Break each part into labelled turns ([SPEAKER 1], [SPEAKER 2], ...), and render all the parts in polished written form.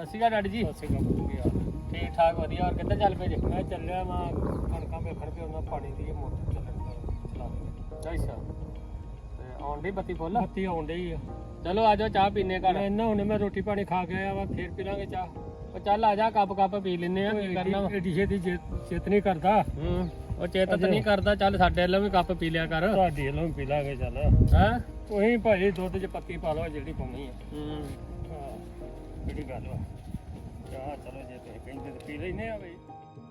[SPEAKER 1] ਅਸੀਂ ਕਾ ਡੈਡੀ ਜੀ
[SPEAKER 2] ਅਸੀਂ ਕੰਮ ਹੋ ਗਿਆ
[SPEAKER 1] ਠੀਕ ਠਾਕ ਵਧੀਆ। ਔਰ ਕਿੱਥੇ ਚੱਲ ਪਏ ਜੇ?
[SPEAKER 2] ਮੈਂ ਚੱਲਿਆ ਮੈਂ ਕਣਕਾਂ ਵੇਖਣ ਤੇ ਉਹਨਾਂ ਪਾਣੀ ਦੀ ਮੋਟਰ ਚਲਾ
[SPEAKER 1] ਅੱਛਾ ਤੇ ਆਉਣ ਦੀ ਬੱਤੀ ਫੁੱਲ?
[SPEAKER 2] ਬੱਤੀ ਆਉਣ ਡਈ ਆ।
[SPEAKER 1] ਚਲੋ ਆ ਜਾਓ ਚਾਹ ਪੀਨੇ ਘਰ।
[SPEAKER 2] ਮੈਂ ਨਾ ਹੁਣੇ ਮੈਂ ਰੋਟੀ ਪਾਣੀ ਖਾ ਕੇ ਆਇਆ ਵਾ, ਫੇਰ ਪੀ ਲਾਂਗੇ ਚਾਹ।
[SPEAKER 1] ਉਹ ਚੱਲ ਆ ਜਾ ਕੱਪ ਪੀ ਲੈਨੇ ਆ। ਕੀ ਕਰਨਾ ਵਾ?
[SPEAKER 2] ਏਡੀ ਛੇਤੀ ਚੇਤ ਨਹੀਂ ਕਰਦਾ।
[SPEAKER 1] ਉਹ ਚੇਤਤ ਨਹੀਂ ਕਰਦਾ। ਚੱਲ ਸਾਡੇ ਵੱਲੋਂ ਵੀ ਕੱਪ ਪੀ ਲਿਆ ਕਰ।
[SPEAKER 2] ਤੁਹਾਡੀ ਵੱਲੋਂ ਵੀ ਪੀ ਲਾਂਗੇ ਚੱਲ।
[SPEAKER 1] ਹੈਂ?
[SPEAKER 2] ਤੁਸੀਂ ਭਾਈ ਦੁੱਧ 'ਚ ਪੱਤੀ ਪਾ ਲਓ ਜਿਹੜੀ ਪਾਉਣੀ ਆ। ਹਾਂ ਕਿਹੜੀ ਗੱਲ ਵਾ। ਚਾਹ ਚਲੋ ਜੇ ਤੁਸੀਂ ਕਹਿੰਦੇ ਤੇ ਪੀ ਲੈਨੇ ਆ ਬਈ।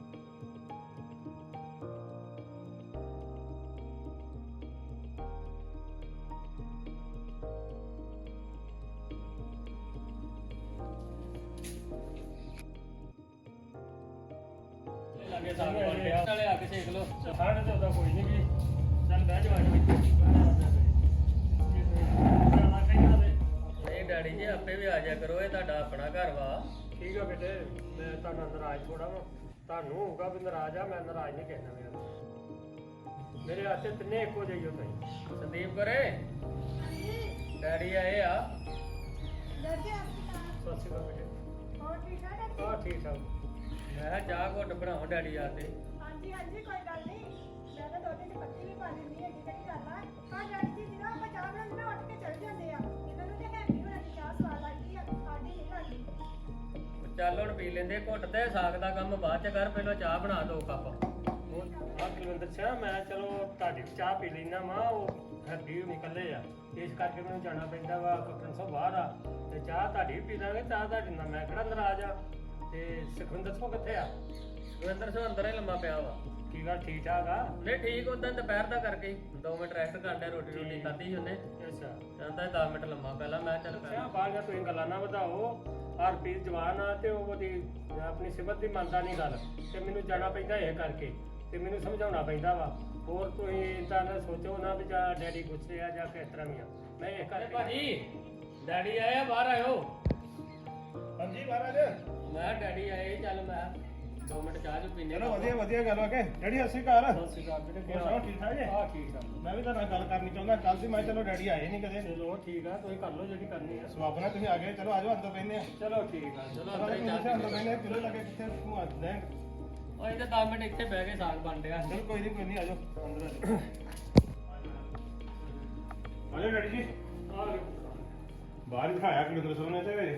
[SPEAKER 1] ਲਾਗੇ ਸਾਗ ਬਣਿਆ ਨਾਲੇ ਆ ਕੇ ਸੇਕ ਲੋ।
[SPEAKER 2] ਸਾਡੇ ਤੇ ਉਹਦਾ ਕੋਈ ਨਹੀਂ ਵੀ। ਚੱਲ ਬਹਿ ਜਾ
[SPEAKER 1] ਨਹੀਂ ਡੈਡੀ ਜੀ ਆਪੇ ਵੀ ਆ ਜਾ ਕਰੋ, ਇਹ ਤੁਹਾਡਾ ਆਪਣਾ ਘਰ ਵਾ।
[SPEAKER 2] ਠੀਕ ਆ ਬੇਟੇ, ਮੈਂ ਤੁਹਾਡਾ ਨਾਰਾਜ਼ ਥੋੜਾ ਵਾ। ਤੁਹਾਨੂੰ ਹੋਊਗਾ ਵੀ ਨਾਰਾਜ਼ ਆ, ਮੈਂ ਨਾਰਾਜ਼ ਨਹੀਂ ਕਹਿਣਾ ਮੇਰਾ। ਮੇਰੇ ਹੱਥ 'ਚ ਤਿੰਨੇ ਇੱਕੋ ਜਿਹੇ ਹੋ ਤੁਸੀਂ।
[SPEAKER 1] ਸੰਦੀਪ ਕਰੇ ਡੈਡੀ ਆਏ ਆ।
[SPEAKER 2] ਸਤਿ ਸ਼੍ਰੀ ਅਕਾਲ ਬੇਟੇ। ਹਾਂ ਠੀਕ ਠਾਕ।
[SPEAKER 1] ਮੈਂ ਕਿਹਾ ਚਾਹ ਘੁੱਟ ਬਣਾਓ ਡੈਡੀ ਆ ਤੇ।
[SPEAKER 3] ਹਾਂਜੀ ਕੋਈ ਗੱਲ ਨਹੀਂ। ਮੈਂ ਤਾਂ ਦੁੱਧ 'ਚ ਪੱਤੀ ਵੀ ਪਾ ਦਿੰਦੀ ਹੈਗੀ, ਕਿਹੜੀ ਗੱਲ ਆ। ਹਾਂ ਡੈਡੀ ਜੀ ਜਦੋਂ ਆਪਾਂ ਚਾਹ ਬਣਾਉਂਦੇ ਨਾ ਉੱਠ ਕੇ ਚੱਲ ਜਾਂਦੇ ਆ। ਇਹਨਾਂ ਨੂੰ ਤੇ ਹੈਪੀ ਹੋਣਾ ਦੀ ਚਾਹ ਸਵਾਦ ਲੱਗਦੀ ਆ, ਸਾਡੀ ਨਹੀਂ ਲੱਗਦੀ।
[SPEAKER 1] ਚੱਲ ਹੁਣ ਪੀ ਲੈਂਦੇ ਘੁੱਟ ਤੇ ਸਾਗ ਦਾ ਕੰਮ ਬਾਅਦ ਚ ਕਰ, ਪਹਿਲਾਂ ਚਾਹ ਬਣਾ ਦੋ ਕੱਪ।
[SPEAKER 2] ਆ ਕੁਲਵਿੰਦਰ ਸਿੰਘ, ਮੈਂ ਚਲੋ ਤੁਹਾਡੀ ਚਾਹ ਪੀ ਲੈਣਾ ਵਾ। ਉਹ ਹੈਪੀ ਵੀ ਨਿਕਲੇ ਆ, ਇਸ ਕਰਕੇ ਮੈਨੂੰ ਜਾਣਾ ਪੈਂਦਾ ਵਾ। ਕਪਟਨ ਸਾਹਿਬ ਬਾਹਰ ਆ ਤੇ ਚਾਹ ਤੁਹਾਡੀ ਵੀ ਪੀ ਲਾਂਗੇ। ਚਾਹ ਤੁਹਾਡੀ ਨਾਲ ਮੈਂ ਕਿਹੜਾ ਨਾਰਾਜ਼ ਆ। ਤੇ ਸੁਖਵਿੰਦਰ ਸਿੰਘ ਕਿੱਥੇ ਆ?
[SPEAKER 1] ਸੁਰਿੰਦਰ ਸਿੰਘ ਅੰਦਰ ਹੀ ਲੰਮਾ ਪਿਆ ਵਾ।
[SPEAKER 2] ਕੀ ਗੱਲ ਠੀਕ ਠਾਕ ਆ?
[SPEAKER 1] ਨਹੀਂ ਠੀਕ, ਉਦੋਂ ਦੁਪਹਿਰ ਦਾ ਕਰਕੇ 2 ਮਿੰਟ ਰੈਸਟ ਕਰਦੇ, ਰੋਟੀ ਖਾਧੀ ਸੀ ਉਹਨੇ।
[SPEAKER 2] ਅੱਛਾ
[SPEAKER 1] ਕਹਿੰਦਾ 10 ਮਿੰਟ ਲੰਮਾ ਪਹਿਲਾਂ। ਮੈਂ ਚੱਲ
[SPEAKER 2] ਅੱਛਾ ਬਾਹਰ ਜਾ, ਤੁਸੀਂ ਗੱਲਾਂ ਨਾ ਵਧਾਓ। ਹਰਪ੍ਰੀਤ ਜਵਾਨ ਆ ਤੇ ਉਹਦੀ ਆਪਣੀ ਸਿਮਤ ਦੀ ਮੰਨਦਾ ਨਹੀਂ ਗੱਲ, ਤੇ ਮੈਨੂੰ ਜਾਣਾ ਪੈਂਦਾ ਇਹ ਕਰਕੇ, ਤੇ ਮੈਨੂੰ ਸਮਝਾਉਣਾ ਪੈਂਦਾ ਵਾ। ਹੋਰ ਤੁਸੀਂ ਇਦਾਂ ਨਾ ਸੋਚੋ ਨਾ ਵੀ ਜਾਂ ਡੈਡੀ ਗੁੱਸੇ ਆ ਜਾਂ ਕਿਸ ਤਰ੍ਹਾਂ ਵੀ ਆ। ਮੈਂ ਇਹ ਕਰਕੇ
[SPEAKER 1] ਭਾਜੀ ਡੈਡੀ ਆਏ ਆ, ਬਾਹਰ ਆਇਓ।
[SPEAKER 4] ਹਾਂਜੀ ਮਹਾਰਾਜ।
[SPEAKER 1] ਮੈਂ ਡੈਡੀ ਆਏ, ਚੱਲ ਮੈਂ 2 ਮਿੰਟ ਚਾਹ ਚ ਪੀਨੇ।
[SPEAKER 4] ਚਲੋ ਵਧੀਆ ਗੱਲ ਆ ਕੇ ਡੈਡੀ ਸਤਿ ਸ਼੍ਰੀ ਅਕਾਲ।
[SPEAKER 2] ਸਤਿ ਸ਼੍ਰੀ ਅਕਾਲ ਬੇਟੇ।
[SPEAKER 4] ਹੋਰ ਸੁਣਾਓ ਠੀਕ ਠਾਕ ਜੀ?
[SPEAKER 2] ਹਾਂ ਠੀਕ ਠਾਕ।
[SPEAKER 4] ਮੈਂ ਵੀ ਤੁਹਾਡੇ ਨਾਲ ਗੱਲ ਕਰਨੀ ਚਾਹੁੰਦਾ। ਕੱਲ ਸੀ ਮੈਂ ਚਲੋ ਡੈਡੀ ਆਏ ਨਹੀਂ ਕਦੇ।
[SPEAKER 2] ਚਲੋ ਠੀਕ ਆ, ਤੁਸੀਂ ਕਰ ਲਓ ਜਿਹੜੀ ਕਰਨੀ ਆ।
[SPEAKER 4] ਸਵਾਬ ਨਾਲ ਤੁਸੀਂ ਆ ਗਏ। ਚਲੋ ਆਜੋ ਅੰਦਰ ਬੈਠਨੇ ਆ।
[SPEAKER 2] ਚਲੋ ਠੀਕ ਆ।
[SPEAKER 1] ਚਲੋ ਅੰਦਰ ਹੀ ਚਾਹ
[SPEAKER 4] ਅੰਦਰ
[SPEAKER 1] ਪੀ
[SPEAKER 4] ਬੈਠਨੇ ਕਿਲੋ ਲੱਗੇ ਕਿੱਥੇ ਤੂੰ ਆ ਲੈ।
[SPEAKER 1] ਉਹ ਇੱਥੇ 10 ਮਿੰਟ ਇੱਥੇ ਬਹਿ ਕੇ ਸਾਗ ਬਣ ਰਿਹਾ।
[SPEAKER 4] ਚਲੋ ਕੋਈ ਨਹੀਂ ਆਜੋ ਅੰਦਰ ਆਜੋ। ਆਜੋ ਡੈਡੀ ਜੀ।
[SPEAKER 2] ਆ ਲਓ।
[SPEAKER 4] ਬਾਹਰ ਬਿਠਾਇਆ ਕੁਲਵਿੰਦਰ ਸਿੰਘ ਨੇ ਤੇ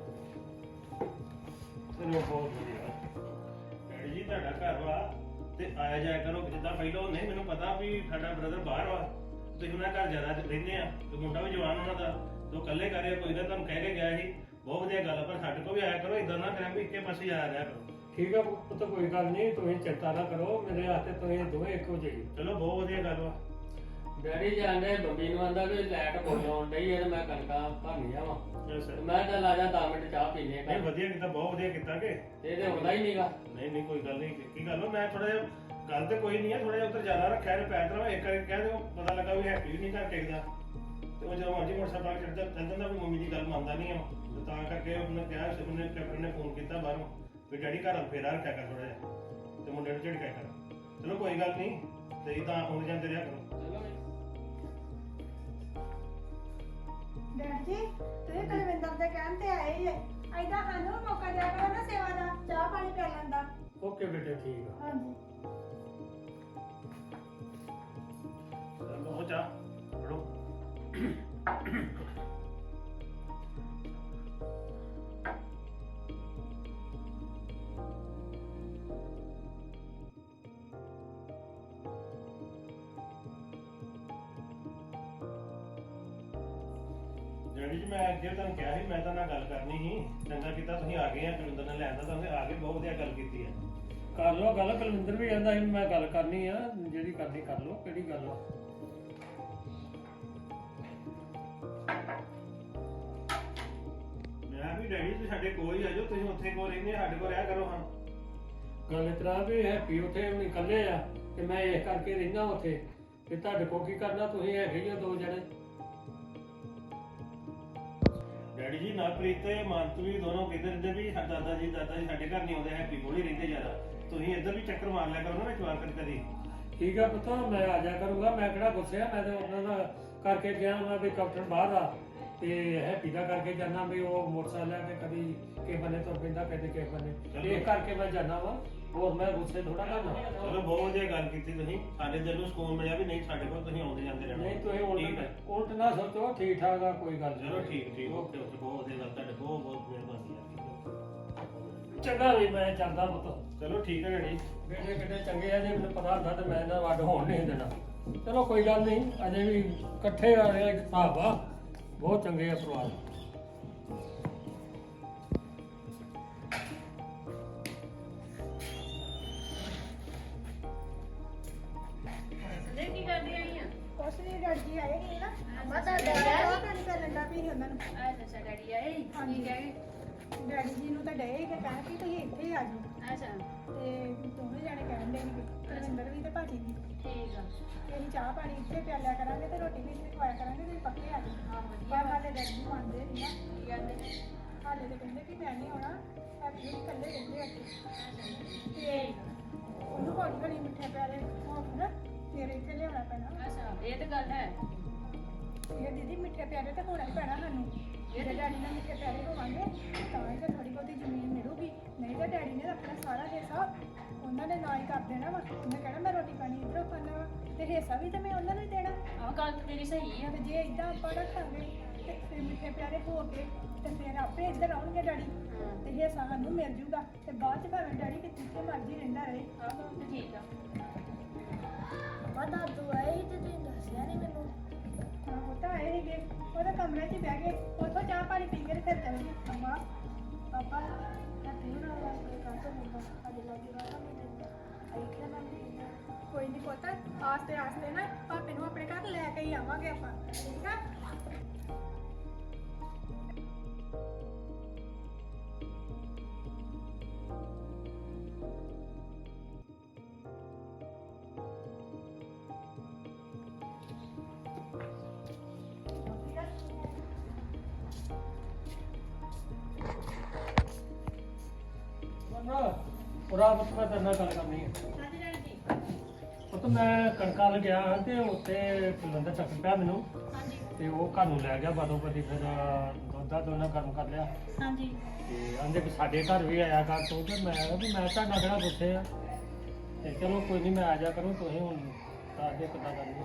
[SPEAKER 2] ਚਲੋ ਬਹੁਤ ਵਧੀਆ।
[SPEAKER 4] ਡੈਡੀ ਜੀ ਤੁਹਾਡਾ ਘਰ ਵਾ ਤੇ ਆਇਆ ਜਾਇਆ ਕਰੋ ਜਿੱਦਾਂ ਪਹਿਲਾਂ। ਨਹੀਂ ਮੈਨੂੰ ਪਤਾ ਵੀ ਸਾਡਾ ਬ੍ਰਦਰ ਬਾਹਰ ਵਾ, ਤੁਸੀਂ ਉਹਨਾਂ ਘਰ ਜ਼ਿਆਦਾ ਰਹਿੰਦੇ ਆ ਤੇ ਮੁੰਡਾ ਵੀ ਜਵਾਨ ਉਹਨਾਂ ਦਾ, ਤੇ ਉਹ ਇਕੱਲੇ ਕਰਿਆ ਕੋਈ ਗੱਲ। ਤੁਹਾਨੂੰ ਕਹਿ ਕੇ ਗਿਆ ਸੀ, ਬਹੁਤ ਵਧੀਆ ਗੱਲ ਆ। ਪਰ ਸਾਡੇ ਕੋਲ ਵੀ ਆਇਆ ਕਰੋ, ਇਦਾਂ ਨਾ ਕਰਿਆ ਵੀ ਇੱਕੇ ਪਾਸੇ ਆਇਆ ਰਿਹਾ ਕਰੋ।
[SPEAKER 2] ਠੀਕ ਆ ਪੁੱਤ, ਕੋਈ ਗੱਲ ਨਹੀਂ। ਤੁਸੀਂ ਚਿੰਤਾ ਨਾ ਕਰੋ, ਮੇਰੇ ਹੱਥ 'ਤੇ ਤੁਸੀਂ ਦੋਵੇਂ ਇੱਕੋ ਜਿਹੇ।
[SPEAKER 4] ਚਲੋ ਬਹੁਤ ਵਧੀਆ ਗੱਲ ਵਾ।
[SPEAKER 1] ਡੈਡੀ ਜਾਂਦੇ ਬੰਬੀ ਨੂੰ ਆਂਦਾ ਵੀ ਲਾਈਟ ਬੋਲ ਆਉਣ ਡਈ ਐ ਤੇ ਮੈਂ ਕਣਕਾਂ ਭਰਨੀਆਂ ਵਾ। ਮੈਂ ਚੱਲ ਆ ਜਾ 10 ਮਿੰਟ ਚਾਹ ਪੀਨੇ
[SPEAKER 4] ਨਹੀਂ ਵਧੀਆ ਕੀਤਾ, ਬਹੁਤ ਵਧੀਆ ਕੀਤਾ ਕਿ
[SPEAKER 1] ਇਹਦੇ ਹੁੰਦਾ ਹੀ ਨਹੀਂਗਾ।
[SPEAKER 4] ਨਹੀਂ ਕੋਈ ਗੱਲ ਨਹੀਂ। ਕੀ ਗੱਲ ਮੈਂ ਥੋੜਾ ਜਿਹਾ ਗੱਲ ਤੇ ਕੋਈ ਨਹੀਂ ਹੈ, ਥੋੜਾ ਜਿਹਾ ਉੱਧਰ ਜ਼ਿਆਦਾ ਰੱਖਿਆ ਨੇ ਪੈਰ ਤੇ। ਇੱਕ ਵਾਰੀ ਕਹਿ ਦਿਓ, ਪਤਾ ਲੱਗਾ ਵੀ ਹੈਪੀ ਵੀ ਨਹੀਂ ਘਰ ਟਿਕਦਾ, ਤੇ ਉਹ ਜਦੋਂ ਮਰਜੀ ਮੋਟਰਸਾਈਕਲ ਚੜਦਾ ਚੱਲ ਜਾਂਦਾ ਵੀ ਮੰਮੀ ਦੀ ਗੱਲ ਮੰਨਦਾ ਨਹੀਂ ਆ। ਤੇ ਤਾਂ ਕਰਕੇ ਉਹਨੇ ਕਿਹਾ, ਉਹਨੇ ਕੈਪਟਨ ਨੇ ਫੋਨ ਕੀਤਾ ਬਾਹਰੋਂ ਵੀ ਡੈਡੀ ਘਰ ਫੇਰਾ ਰੱਖਿਆ ਕਰ ਥੋੜਾ ਜਿਹਾ, ਤੇ ਮੁੰਡੇ ਨੂੰ ਝਿੜਕਿਆ ਕਰ। ਚਲੋ ਕੋਈ ਗੱਲ ਨਹੀਂ, ਤੇ ਇਦਾਂ ਆਉਂਦੇ ਜਾਂਦੇ ਰਿਹਾ ਕਰੋ।
[SPEAKER 3] ਡੈਡੀ ਜੀ ਤੁਸੀਂ ਕੁਲਵਿੰਦਰ ਦੇ ਕਹਿਣ ਤੇ ਆਏ ਹੀ ਐਦਾਂ ਸਾਨੂੰ ਮੌਕਾ ਦਿਆ ਕਰੋ ਨਾ ਸੇਵਾ ਦਾ, ਚਾਹ ਪਾਣੀ ਪੀ ਲੈਂਦਾ।
[SPEAKER 2] ਓਕੇ ਬੇਟੇ ਠੀਕ ਆ।
[SPEAKER 3] ਹਾਂਜੀ
[SPEAKER 4] ਚਲੋ ਹੋ ਜਾ ਫੜੋ। ਡੈਡੀ ਜੀ ਮੈਂ ਅੱਗੇ ਤੁਹਾਨੂੰ ਕਿਹਾ ਸੀ, ਮੈਂ ਤਾਂ ਨਾਲ ਗੱਲ ਕਰਨੀ ਸੀ। ਚੰਗਾ ਕੀਤਾ ਤੁਸੀਂ ਆ ਗਏ ਆ। ਕੁਲਵਿੰਦਰ ਨੇ ਲੈਣ ਦਾ ਤੁਹਾਨੂੰ ਆ ਕੇ ਬਹੁਤ ਵਧੀਆ ਗੱਲ ਕੀਤੀ ਹੈ।
[SPEAKER 2] ਕਰ ਲਓ ਗੱਲ। ਕੁਲਵਿੰਦਰ ਵੀ ਕਹਿੰਦਾ ਸੀ ਮੈਂ ਗੱਲ ਕਰਨੀ ਆ, ਜਿਹੜੀ ਕਰਨੀ ਕਰ ਲਓ। ਕਿਹੜੀ ਗੱਲ ਆ?
[SPEAKER 4] ਮੈਂ ਵੀ ਡੈਡੀ ਤੁਸੀਂ ਸਾਡੇ ਕੋਲ ਹੀ ਆ ਜਾਓ। ਤੁਸੀਂ ਉੱਥੇ ਕੋਲ ਰਹਿੰਦੇ, ਸਾਡੇ ਕੋਲ ਰਿਹਾ ਕਰੋ। ਹਾਂ
[SPEAKER 2] ਗੱਲ ਇਸ ਤਰ੍ਹਾਂ ਵੀ ਹੈਪੀ ਉੱਥੇ ਹੁਣ ਇਕੱਲੇ ਆ ਤੇ ਮੈਂ ਇਸ ਕਰਕੇ ਰਹਿਣਾ ਉੱਥੇ, ਤੇ ਤੁਹਾਡੇ ਕੋਲ ਕੀ ਕਰਨਾ? ਤੁਸੀਂ ਹੈਗੇ ਹੀ ਆ 2 ਜਣੇ।
[SPEAKER 4] ਡੈਡੀ ਜੀ ਨਵਪ੍ਰੀਤ ਤੇ ਮਾਨਤ ਵੀ ਦੋਨੋਂ ਕਹਿੰਦੇ ਰਹਿੰਦੇ ਵੀ ਦਾਦਾ ਜੀ ਸਾਡੇ ਘਰ ਨਹੀਂ ਆਉਂਦੇ, ਹੈਪੀ ਕੋਲ ਹੀ ਰਹਿੰਦੇ ਜ਼ਿਆਦਾ। ਤੁਸੀਂ ਇੱਧਰ ਵੀ ਚੱਕਰ ਮਾਰ ਲਿਆ ਕਰੋ ਨਾ ਵਿੱਚ ਵਾਰ ਕਦੀ।
[SPEAKER 2] ਠੀਕ ਆ ਪੁੱਤ, ਮੈਂ ਆ ਜਾ ਕਰੂੰਗਾ। ਮੈਂ ਕਿਹੜਾ ਗੁੱਸੇ ਆ, ਮੈਂ ਤਾਂ ਉਹਨਾਂ ਦਾ ਕਰਕੇ ਗਿਆ ਮੈਂ ਵੀ ਕੈਪਟਨ ਬਾਹਰ ਆ ਤੇ ਹੈਪੀ ਦਾ ਕਰਕੇ ਜਾਣਾ ਵੀ ਉਹ ਮੋਟਰਸਾਈਕਲ ਲੈ ਕੇ ਕਦੀ ਕਿਸੇ ਬੰਨੇ ਤੁਰ ਪੈਂਦਾ ਕਦੇ ਕਿਸੇ ਬੰਨੇ ਇਹ ਕਰਕੇ ਮੈਂ ਜਾਣਾ ਵਾ ਹੋਰ ਮੈਂ ਗੁੱਸੇ ਥੋੜਾ ਕਰਨਾ
[SPEAKER 4] ਚਲੋ ਬਹੁਤ ਵਧੀਆ ਗੱਲ ਕੀਤੀ ਤੁਸੀਂ ਸਾਡੇ ਦਿਲ ਨੂੰ ਸਕੂਨ ਮਿਲਿਆ ਵੀ ਨਹੀਂ ਸਾਡੇ ਕੋਲ ਤੁਸੀਂ ਆਉਂਦੇ ਜਾਂਦੇ ਰਹਿਣਾ
[SPEAKER 2] ਨਹੀਂ ਤੁਸੀਂ
[SPEAKER 4] ਠੀਕ ਹੈ।
[SPEAKER 2] ਉਲਟ ਨਾ ਸੋਚੋ ਠੀਕ ਠਾਕ ਆ ਕੋਈ ਗੱਲ
[SPEAKER 4] ਚਲੋ
[SPEAKER 2] ਨਹੀਂ
[SPEAKER 4] ਠੀਕ ਓਕੇ ਬਹੁਤ ਵਧੀਆ ਗੱਲ ਤੁਹਾਡੇ ਬਹੁਤ ਬਹੁਤ ਮਿਹਰਬਾਨੀ ਆ
[SPEAKER 2] ਚੰਗਾ ਵੀ ਮੈਂ ਚੱਲਦਾ ਪੁੱਤ
[SPEAKER 4] ਚਲੋ ਠੀਕ ਹੈ ਡੈਡੀ
[SPEAKER 2] ਬੇਟੇ ਕਿਤੇ ਚੰਗੇ ਆ ਜੇ ਮੈਨੂੰ ਪਤਾ ਹੁੰਦਾ ਤੇ ਮੈਂ ਇਹਨਾਂ ਵੱਡ ਹੋਣ ਨਹੀਂ ਦੇਣਾ ਚਲੋ ਕੋਈ ਗੱਲ ਨਹੀਂ ਅਜੇ ਵੀ ਇਕੱਠੇ ਆ ਰਹੇ ਇੱਕ ਹਿਸਾਬ ਆ ਬਹੁਤ ਚੰਗੇ ਆ ਪਰਿਵਾਰ
[SPEAKER 5] ਕੀ ਕਰਦੀ ਆਈ ਆ
[SPEAKER 3] ਕੁਛ ਨਹੀਂ ਡੈਡੀ ਜੀ ਆਏ ਸੀ ਨਾ
[SPEAKER 5] ਅੱਛਾ, ਡੈਡੀ
[SPEAKER 3] ਚਾਹ ਪਾਣੀ ਕਰਨ ਦਾ ਵੀ ਉਹਨਾਂ ਨੂੰ
[SPEAKER 5] ਅੱਛਾ ਡੈਡੀ ਆਏ ਕੀ ਕਹਿ
[SPEAKER 3] ਡੈਡੀ ਜੀ ਨੂੰ ਤਾਂ ਡਏ ਕਿ ਕਹਿਣ ਕਿ ਤੁਸੀਂ ਇੱਥੇ ਹੀ ਆ ਜਾਓ
[SPEAKER 5] ਅੱਛਾ
[SPEAKER 3] ਤੇ ਦੋਵੇਂ ਜਾਣੇ ਕਹਿਣ ਦੇ ਸੀ ਰਵਿੰਦਰ ਵੀ ਤੇ ਭਾਜੀ ਵੀ
[SPEAKER 5] ਠੀਕ ਆ
[SPEAKER 3] ਕਿ ਅਸੀਂ ਚਾਹ ਪਾਣੀ ਇੱਥੇ ਪਿਆਲਿਆ ਕਰਾਂਗੇ ਤੇ ਰੋਟੀ ਵੀ ਇੱਥੇ ਖਵਾਇਆ ਕਰਾਂਗੇ ਤੇ ਪੱਕੇ ਆ ਜਾਓ
[SPEAKER 5] ਹਾਂ
[SPEAKER 3] ਪਰ
[SPEAKER 5] ਵਧੀਆ
[SPEAKER 3] ਹਾਲੇ ਡੈਡੀ ਜੀ ਮੰਨਦੇ ਨਹੀਂ ਨਾ
[SPEAKER 5] ਕੀ ਕਹਿੰਦੇ
[SPEAKER 3] ਹਾਲੇ ਤੇ ਕਹਿੰਦੇ ਕਿ ਮੈਂ ਨਹੀਂ ਆਉਣਾ ਹੈਪੀ ਜੀ ਇਕੱਲੇ ਰਹਿੰਦੇ ਅੱਗੇ ਤੇ ਉਹਨੂੰ ਹੌਲੀ ਹੌਲੀ ਮਿੱਠੇ ਪਿਆਰੇ ਹੋਣ ਨਾ ਫਿਰ ਇੱਥੇ ਲਿਆਉਣਾ ਪੈਣਾ
[SPEAKER 5] ਅੱਛਾ ਇਹ ਤਾਂ ਗੱਲ ਹੈ
[SPEAKER 3] ਇਹ ਦੀਦੀ ਮਿੱਠੇ ਪਿਆਰੇ ਤਾਂ ਹੋਣਾ ਹੀ ਪੈਣਾ ਸਾਨੂੰ ਜੇ ਡੈਡੀ ਨਾਲ ਮਿੱਠੇ ਪਿਆਰੇ ਹੋਵਾਂਗੇ ਤਾਂ ਹੀ ਤਾਂ ਥੋੜੀ ਬਹੁਤੀ ਜ਼ਮੀਨ ਮਿਲੂਗੀ ਨਹੀਂ ਤਾਂ ਡੈਡੀ ਨੇ ਰੱਖਣਾ ਸਾਰਾ ਹਿੱਸਾ ਉਹਨਾਂ ਨੇ ਨਾ ਹੀ ਕਰ ਦੇਣਾ ਵਾ ਉਹਨੇ ਕਹਿਣਾ ਮੈਂ ਰੋਟੀ ਪਾਣੀ ਇੱਧਰੋਂ ਖਾਣਾ ਵਾ ਤੇ ਹਿੱਸਾ ਵੀ ਤਾਂ ਮੈਂ ਉਹਨਾਂ ਨੂੰ ਹੀ ਦੇਣਾ
[SPEAKER 5] ਆਹ ਗੱਲ ਤਾਂ ਤੇਰੀ ਸਹੀ ਆ
[SPEAKER 3] ਤੇ ਜੇ ਇਦਾਂ ਆਪਾਂ ਰੱਖਾਂਗੇ ਤੇ ਫਿਰ ਮਿੱਠੇ ਪਿਆਰੇ ਹੋ ਕੇ ਤੇ ਫਿਰ ਆਪੇ ਇੱਧਰ ਆਉਣਗੇ ਡੈਡੀ
[SPEAKER 5] ਹਾਂ
[SPEAKER 3] ਤੇ ਹਿੱਸਾ ਸਾਨੂੰ ਮਿਲ ਜੂਗਾ ਤੇ ਬਾਅਦ ਚ ਭਾਵੇਂ ਡੈਡੀ ਕਿੱਥੇ ਮਰਜ਼ੀ ਰਹਿੰਦਾ ਰਹੇ
[SPEAKER 5] ਆਹ ਗੱਲ ਤਾਂ ਠੀਕ ਆ
[SPEAKER 3] ਪਤਾ ਤੂੰ ਆਈ ਤੇ ਤੂੰ ਦੱਸਿਆ ਨਹੀਂ ਮੈਨੂੰ ਹਾਂ ਉਹ ਤਾਂ ਆਏ ਸੀਗੇ ਉਹਦੇ ਕਮਰੇ 'ਚ ਬਹਿ ਗਏ ਉੱਥੋਂ ਚਾਹ ਪਾਣੀ ਪੀ ਕੇ ਤੇ ਫਿਰ ਚੱਲ ਗਏ ਅੰਮਾ ਪਾਪਾ ਮੈਂ ਪੀਣ ਵਾਲਾ ਕੋਈ ਕੰਮ ਤੋਂ ਮੁੰਡਾ ਅੱਜ ਲੱਗੀ ਰਹਾ ਮੈਂ ਦਿੰਦਾ ਆਈ ਕਿ ਮੈਂ ਕੋਈ ਨਹੀਂ ਪਤਾ ਆਸਤੇ ਆਸਤੇ ਨਾ ਪਾਪੇ ਨੂੰ ਆਪਣੇ ਘਰ ਲੈ ਕੇ ਹੀ ਆਵਾਂਗੇ ਆਪਾਂ ਠੀਕ ਆ
[SPEAKER 2] ਪੂਰਾ ਪੁੱਤ ਮੈਂ ਤੇਰੇ ਨਾਲ ਗੱਲ ਕਰਨੀ ਹੈ
[SPEAKER 5] ਹਾਂਜੀ ਡੈਡੀ ਜੀ
[SPEAKER 2] ਪੁੱਤ ਮੈਂ ਕਣਕਾਂ ਲਗਿਆ ਤੇ ਉੱਥੇ ਕੁਲਵੰਦਰ ਚੱਕ ਪਿਆ ਮੈਨੂੰ
[SPEAKER 5] ਹਾਂਜੀ
[SPEAKER 2] ਤੇ ਉਹ ਘਰ ਨੂੰ ਲੈ ਗਿਆ ਬਾਦੋਂ ਪਤੀ ਫਿਰ ਦੁੱਧਾ ਦੋਨਾਂ ਗਰਮ ਕਰ ਲਿਆ
[SPEAKER 5] ਹਾਂਜੀ
[SPEAKER 2] ਤੇ ਆਂਦੇ ਵੀ ਸਾਡੇ ਘਰ ਵੀ ਆਇਆ ਕਰ ਤੂੰ ਤੇ ਮੈਂ ਕਿਹਾ ਵੀ ਮੈਂ ਤੁਹਾਡਾ ਕਿਹੜਾ ਗੁੱਸੇ ਆ ਤੇ ਚਲੋ ਕੋਈ ਨਹੀਂ ਮੈਂ ਆ ਜਾ ਕਰੂੰ ਤੁਸੀਂ ਹੁਣ ਦੱਸ ਦੇ ਕਿੱਦਾਂ ਕਰਨੀ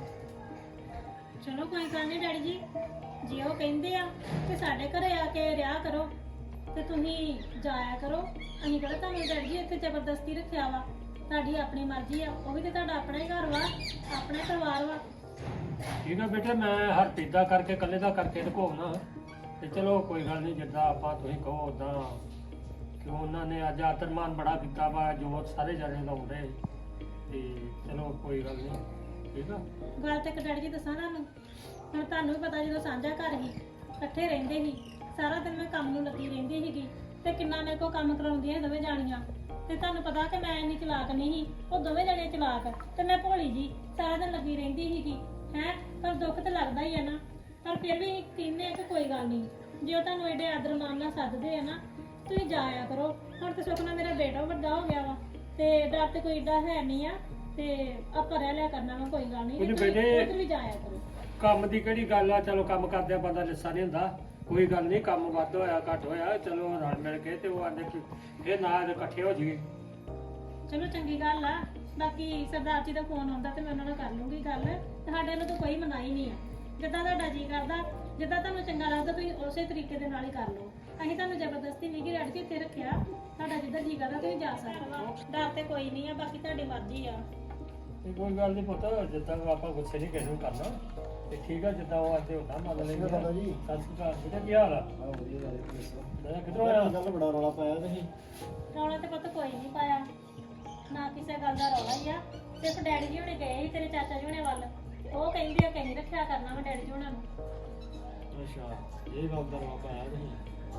[SPEAKER 6] ਚਲੋ ਕੋਈ ਗੱਲ ਨਹੀਂ ਡੈਡੀ ਜੀ ਜੇ ਉਹ ਕਹਿੰਦੇ ਆ ਕਿ ਸਾਡੇ ਘਰੇ ਆ ਕੇ ਰਿਹਾ ਕਰੋ ਤੇ ਤੁਸੀਂ ਜਾਇਆ ਕਰੋ ਅਸੀਂ ਕਿਹੜਾ ਤੁਹਾਨੂੰ ਡੈਡੀ ਜੀ ਇੱਥੇ ਜ਼ਬਰਦਸਤੀ ਰੱਖਿਆ ਵਾ ਤੁਹਾਡੀ ਆਪਣੀ ਮਰਜ਼ੀ ਆ ਉਹ ਵੀ ਤੇ ਤੁਹਾਡਾ ਆਪਣਾ ਹੀ ਘਰ ਵਾ ਆਪਣਾ ਹੀ ਪਰਿਵਾਰ ਵਾ
[SPEAKER 2] ਠੀਕ ਆ ਬੇਟੇ ਮੈਂ ਹਰ ਪੀਦਾ ਕਰਕੇ ਇਕੱਲੇ ਦਾ ਕਰਕੇ ਢਕੋਣਾ ਤੇ ਚਲੋ ਕੋਈ ਗੱਲ ਨਹੀਂ ਜਿੱਦਾਂ ਆਪਾਂ ਤੁਸੀਂ ਕਹੋ ਉਦਾਂ ਕਿ ਉਹਨਾਂ ਨੇ ਅੱਜ ਆਤਰਮਾਨ ਬੜਾ ਕੀਤਾ ਵਾ ਜੋ ਸਾਰੇ ਜਣੇ ਲਾਉਂਦੇ ਤੇ ਚਲੋ ਕੋਈ ਗੱਲ ਨਹੀਂ ਠੀਕ ਆ
[SPEAKER 6] ਗੱਲ ਤੇ ਇੱਕ ਡੈਡੀ ਜੀ ਦੱਸਾਂ ਤੁਹਾਨੂੰ ਹੁਣ ਤੁਹਾਨੂੰ ਵੀ ਪਤਾ ਜਦੋਂ ਸਾਂਝਾ ਘਰ ਸੀ ਇਕੱਠੇ ਰਹਿੰਦੇ ਸੀ ਸਾਰਾ ਦਿਨ ਮੈਂ ਕੰਮ ਨੂੰ ਲੱਗੀ ਰਹਿੰਦੀ ਸੀਗੀ ਤੇ ਕਿੰਨਾ ਮੇਰੇ ਕੋਲ ਕੰਮ ਕਰਾਉਂਦੀਆਂ ਦੋਵੇਂ ਜਾਣੀਆਂ ਤੇ ਤੁਹਾਨੂੰ ਪਤਾ ਕਿ ਮੈਂ ਇੰਨੀ ਚਲਾਕ ਨਹੀਂ ਸੀ ਉਹ ਦੋਵੇਂ ਜਣੇ ਚਲਾਕ ਤੇ ਮੈਂ ਭੋਲੀ ਜੀ ਸਾਰਾ ਦਿਨ ਲੱਗੀ ਰਹਿੰਦੀ ਸੀਗੀ ਹੈ ਪਰ ਦੁੱਖ ਤੇ ਲੱਗਦਾ ਹੀ ਆ ਨਾ ਪਰ ਫਿਰ ਵੀ ਕਹਿੰਦੇ ਆ ਕਿ ਕੋਈ ਗੱਲ ਨਹੀਂ ਜੇ ਉਹ ਤੁਹਾਨੂੰ ਐਡੇ ਆਦਰ ਮਾਨ ਨਾਲ ਸੱਦਦੇ ਆ ਨਾ ਤੁਸੀਂ ਜਾਇਆ ਕਰੋ ਹੁਣ ਤੇ ਸੁੱਖ ਨਾਲ ਮੇਰਾ ਬੇਟਾ ਵੱਡਾ ਹੋ ਗਿਆ ਵਾ ਤੇ ਡਰ ਤੇ ਕੋਈ ਏਡਾ ਹੈ ਨਹੀਂ ਆ ਤੇ ਆਪਾਂ ਰਹਿ ਲਿਆ ਕਰਨਾ ਵਾ ਕੋਈ ਗੱਲ ਨਹੀਂ
[SPEAKER 2] ਉਹਨੂੰ
[SPEAKER 6] ਤੁਸੀਂ
[SPEAKER 2] ਬੇਟੇ-
[SPEAKER 6] ਉੱਧਰ ਵੀ ਜਾਇਆ ਕਰੋ
[SPEAKER 2] ਕੰਮ ਦੀ ਕਿਹੜੀ ਗੱਲ ਆ ਚਲੋ ਕੰਮ ਕਰਦਿਆਂ ਬੰਦਾ ਲਿੱਸਾ ਨਹੀਂ ਹੁੰਦਾ ਕੋਈ ਗੱਲ ਨਹੀਂ ਕੰਮ ਵੱਧ ਹੋਇਆ ਘੱਟ ਹੋਇਆ ਚਲੋ ਰਲ ਮਿਲ ਕੇ ਤੇ ਉਹ ਆਂਦੇ ਕਿ ਇਹ ਨਾਲ ਇਕੱਠੇ ਹੋ ਜਾਈਏ
[SPEAKER 6] ਚਲੋ ਚੰਗੀ ਗੱਲ ਆ ਬਾਕੀ ਸਰਦਾਰ ਜੀ ਦਾ ਫੋਨ ਆਉਂਦਾ ਤੇ ਮੈਂ ਉਹਨਾਂ ਨਾਲ ਕਰ ਲੂੰਗੀ ਗੱਲ ਤੁਹਾਡੇ ਵੱਲੋਂ ਤਾਂ ਕੋਈ ਮਨਾਹੀ ਨਹੀਂ ਆ ਜਿੱਦਾਂ ਤੁਹਾਡਾ ਜੀ ਕਰਦਾ ਜਿੱਦਾਂ ਤੁਹਾਨੂੰ ਚੰਗਾ ਲੱਗਦਾ ਤੁਸੀਂ ਉਸੇ ਤਰੀਕੇ ਦੇ ਨਾਲ ਹੀ ਕਰ ਲਓ ਅਸੀਂ ਤੁਹਾਨੂੰ ਜ਼ਬਰਦਸਤੀ ਨਹੀਂ ਕਿ ਰੜ ਕੇ ਇੱਥੇ ਰੱਖਿਆ ਤੁਹਾਡਾ ਜਿੱਦਾਂ ਜੀ ਕਰਦਾ ਤੁਸੀਂ ਜਾ ਸਕਦੇ ਹੋ ਡਰ ਤੇ ਕੋਈ ਨਹੀਂ ਆ ਬਾਕੀ ਤੁਹਾਡੀ ਮਰਜ਼ੀ ਆ
[SPEAKER 2] ਤੇ ਕੋਈ ਗੱਲ ਨਹੀਂ ਪੁੱਤ ਜਿੱਦਾਂ ਆਪਾਂ ਗੁੱਸੇ ਨਹੀਂ ਕਿਸੇ ਨੂੰ ਕਰਨਾ ਤੇ ਠੀਕ ਆ ਜਿੱਦਾਂ ਉਹ ਆਦੇ ਹੁੰਦਾ ਮੰਨ ਲੈਂਦੇ
[SPEAKER 7] ਦਾਦਾ ਜੀ।
[SPEAKER 2] ਸਤਿ ਸ਼੍ਰੀ ਅਕਾਲ ਬੇਟਾ ਕੀ ਹਾਲ ਆ
[SPEAKER 7] ਆ ਵਧੀਆ ਗੱਲ ਹੈ ਦੱਸੋ
[SPEAKER 2] ਮੈਂ ਕਿੱਧਰੋਂ ਆਇਆ
[SPEAKER 7] ਗੱਲ ਬੜਾ ਰੌਲਾ ਪਾਇਆ ਤੁਸੀਂ
[SPEAKER 6] ਰੌਲਾ ਤੇ ਪੁੱਤ ਕੋਈ ਨਹੀਂ ਪਾਇਆ ਨਾ ਕਿਸੇ ਗੱਲ ਦਾ ਰੌਲਾ ਹੀ ਆ ਸਿਰਫ ਡੈਡੀ ਜੀ ਹੁਣੇ ਗਏ ਸੀ ਤੇਰੇ ਚਾਚਾ ਜੀ ਹੁਣੇ ਵੱਲ ਤੇ ਉਹ ਕਹਿੰਦੇ ਆ ਕਿ ਅਸੀਂ ਰੱਖਿਆ ਕਰਨਾ ਵਾ ਡੈਡੀ ਜੀ ਹੁਣਾਂ ਨੂੰ
[SPEAKER 2] ਅੱਛਾ ਇਹ ਗੱਲ ਦਾ ਰੌਲਾ ਪਾਇਆ ਤੁਸੀਂ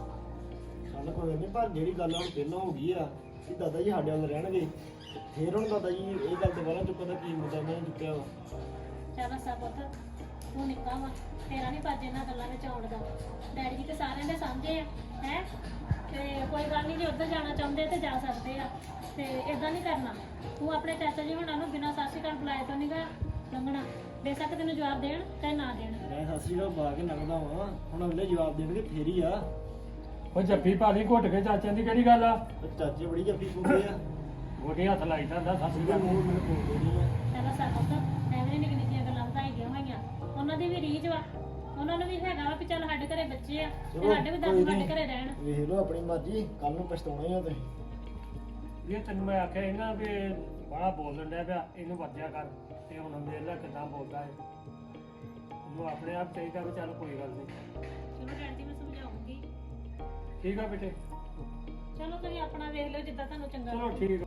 [SPEAKER 7] ਚੱਲ ਕੋਈ ਨਹੀਂ ਪਰ ਜਿਹੜੀ ਗੱਲ ਹੁਣ ਪਹਿਲਾਂ ਹੋ ਗਈ ਆ ਕਿ ਦਾਦਾ ਜੀ ਸਾਡੇ ਵੱਲ ਰਹਿਣਗੇ ਫੇਰ ਹੁਣ ਦਾਦਾ ਜੀ ਇਹ ਗੱਲ ਦੁਬਾਰਾ ਚੁੱਕਣ ਦਾ ਕੀ ਮੁੱਦਾ ਮੈਂ ਚੁੱਕਿਆ ਵਾ
[SPEAKER 6] ਚੱਲ ਅੱਛਾ ਪੁੱਤ ਤੂੰ ਨਿੱਕਾ ਵਾ ਤੇਰਾ ਨਹੀਂ ਭੱਜ ਇਹਨਾਂ ਗੱਲਾਂ ਵਿੱਚ ਆਉਣ ਦਾ ਡੈਡੀ ਜੀ ਤੇ ਸਾਰਿਆਂ ਦੇ ਸਾਂਝੇ ਆ ਹੈ ਤੇ ਕੋਈ ਗੱਲ ਨਹੀਂ ਜੇ ਉੱਧਰ ਜਾਣਾ ਚਾਹੁੰਦੇ ਤੇ ਜਾ ਸਕਦੇ ਆ ਤੇ ਇਦਾਂ ਨਹੀਂ ਕਰਨਾ ਤੂੰ ਆਪਣੇ ਚਾਚਾ ਜੀ ਹੁਣਾਂ ਨੂੰ ਬਿਨਾਂ ਸਤਿ ਸ਼੍ਰੀ ਅਕਾਲ ਬੁਲਾਏ ਤੋਂ ਨਹੀਂਗਾ ਲੰਘਣਾ ਬੇਸ਼ੱਕ ਤੈਨੂੰ ਜਵਾਬ ਦੇਣ ਚਾਹੇ ਨਾ ਦੇਣ।
[SPEAKER 7] ਮੈਂ ਸਤਿ ਸ੍ਰੀ ਅਕਾਲ ਪਾ ਕੇ ਲੰਘਦਾ ਵਾਂ, ਹੁਣ ਅਗਲੇ ਜਵਾਬ ਦੇਣਗੇ ਫੇਰ ਹੀ ਆ।
[SPEAKER 2] ਉਹ ਜੱਫੀ ਭਾਲੀ ਘੁੱਟ ਕੇ ਚਾਚਿਆਂ ਦੀ ਕਿਹੜੀ ਗੱਲ ਆ?
[SPEAKER 7] ਤੇ ਚਾਚੇ ਬੜੀ ਜੱਫੀ ਪੁੱਗੇ ਆ,
[SPEAKER 2] ਗੋਡੇ ਹੱਥ ਲਾਈ ਜਾਂਦਾ ਸਤਿ ਸ੍ਰੀ ਅਕਾਲ।
[SPEAKER 7] ਮੂੰਹ ਮੈਨੂੰ ਪੁੱਗਦੇ ਨਹੀਂ ਆ।
[SPEAKER 6] ਪਹਿਲਾਂ ਸਾਡਾ ਤਾਂ ਐਵੇਂ ਨਿੱਕੀ ਨਿੱਕੀਆਂ ਗੱਲਾਂ ਵਧਾਈ ਦੀਆਂ ਹੋਈਆਂ, ਉਹਨਾਂ ਦੀ ਵੀ ਰੀਝ ਵਾ, ਉਹਨਾਂ ਨੂੰ ਵੀ ਹੈਗਾ ਵਾ ਵੀ ਚੱਲ ਸਾਡੇ ਘਰੇ ਬੱਚੇ ਆ ਤੇ
[SPEAKER 7] ਚਲੋ,
[SPEAKER 6] ਸਾਡੇ ਵੀ
[SPEAKER 7] ਕੋਈ
[SPEAKER 6] ਦਾਦੂ
[SPEAKER 7] ਨੀ।
[SPEAKER 6] ਸਾਡੇ ਘਰੇ ਰਹਿਣ।
[SPEAKER 7] ਵੇਖ ਲਓ ਆਪਣੀ ਮਰਜ਼ੀ, ਕੱਲ ਨੂੰ ਪਛਤਾਉਣਾ ਹੀ ਆ ਤੁਸੀਂ।
[SPEAKER 2] ਇਹ ਤੈਨੂੰ ਮੈਂ ਆਖਿਆ ਸੀ ਨਾ ਵੀ ਬੜਾ ਬੋਲਣ ਡਿਆ ਪਿਆ, ਇਹਨੂੰ ਵਰਜਿਆ ਕਰ। ਤੇ ਹੁਣ ਵੇਖ ਲੈ ਕਿੱਦਾਂ ਬੋਲਦਾ ਹੈ। ਉਹਨੂੰ ਆਪਣੇ ਆਪ ਚਾਹੀਦਾ ਵੀ ਚੱਲ ਕੋਈ ਗੱਲ ਨਹੀਂ।
[SPEAKER 6] ਚਲੋ ਡੈਡੀ ਮੈਂ ਸਮਝਾਉਂਗੀ।
[SPEAKER 2] ਠੀਕ ਆ ਬੇਟੇ,
[SPEAKER 6] ਚਲੋ ਤੁਸੀਂ ਆਪਣਾ ਵੇਖ ਲਿਓ ਜਿੱਦਾਂ ਤੁਹਾਨੂੰ ਚੰਗਾ
[SPEAKER 2] ਚਲੋ
[SPEAKER 6] ਲੱਗੇ।
[SPEAKER 2] ਠੀਕ ਆ।